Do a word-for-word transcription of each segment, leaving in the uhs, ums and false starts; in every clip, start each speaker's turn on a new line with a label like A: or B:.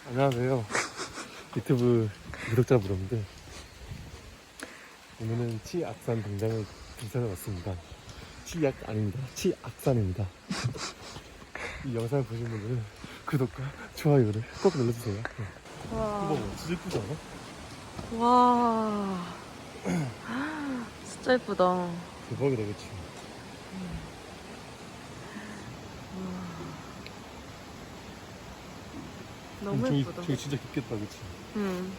A: 안녕하세요. 유튜브 구독자 여러분들. 오늘은 치악산 동장을 등산해 왔습니다. 치약 아닙니다. 치악산입니다. 이 영상을 보신 분들은 구독과 좋아요를 꼭 눌러주세요.
B: 와.
A: 이거 진짜 예쁘지 않아?
B: 와. 진짜 예쁘다.
A: 대박이다, 그치?
B: 너무
A: 저기,
B: 예쁘다.
A: 저기 진짜 깊겠다, 그치?
B: 응.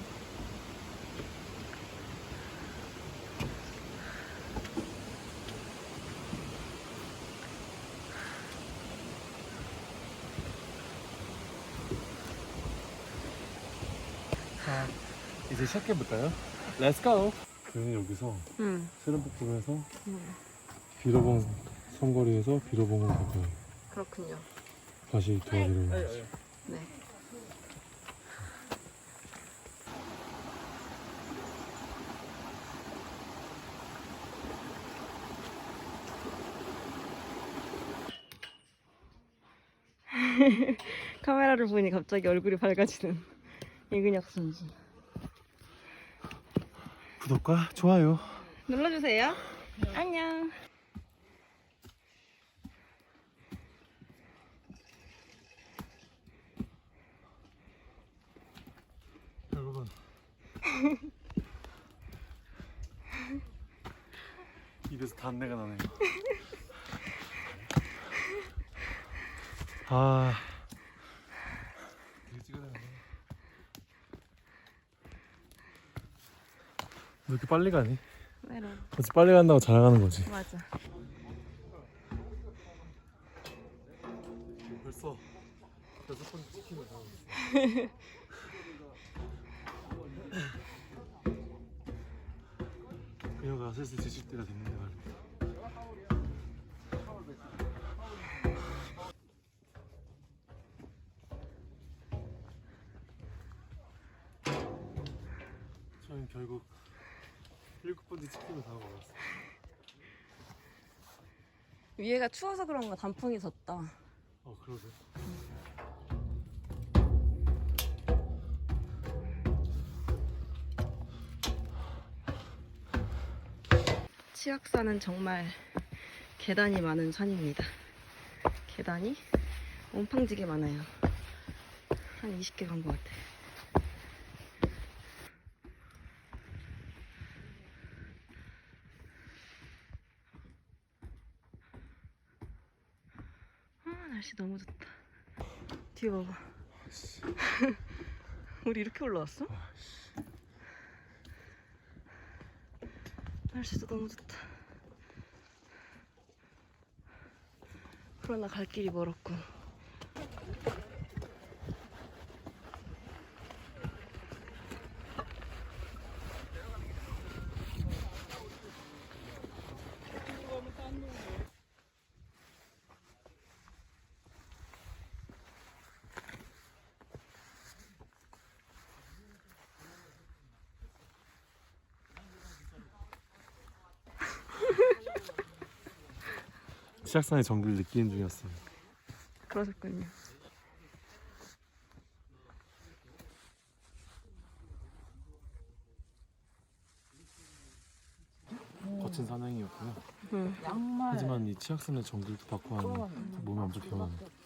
A: 자, 이제 시작해볼까요? Let's go! 저희는 여기서
B: 응.
A: 세련폭포에서
B: 응.
A: 비로봉 삼거리에서 비로봉으로 갈 거예요.
B: 그렇군요.
A: 다시 도와드리러
B: 네. 카메라를 보니 갑자기 얼굴이 밝아지는 이근혁 선수.
A: 구독과 좋아요
B: 눌러주세요. 안녕.
A: 여러분. 입에서 단내가 나네요. 아, 되게 찍어야 되네. 왜 이렇게 빨리 가니?
B: 메론.
A: 그렇지, 빨리 간다고 자랑하는 거지.
B: 맞아.
A: 벌써 여섯 번째 치킨을 사고 있어. 그녀가 슬슬 지칠 때가 됐는데 말이야. 저희는 결국 일곱 번째 치킨을 사고 먹었어.
B: 위에가 추워서 그런가 단풍이 졌다.
A: 어, 그러게.
B: 치악산은 정말 계단이 많은 산입니다. 계단이 옴팡지게 많아요. 한 이십 개 간 것 같아. 아, 날씨 너무 좋다. 뒤에 봐봐. 우리 이렇게 올라왔어? 날씨도 너무 좋다. 그러나 갈 길이 멀었고.
A: 치악산의 정글을 느끼는 중이었어요.
B: 그러셨군요.
A: 거친 사냥이었고요.
B: 응.
A: 하지만 이 치악산의 정글도 받고 하면 몸이 엄청 개운해요.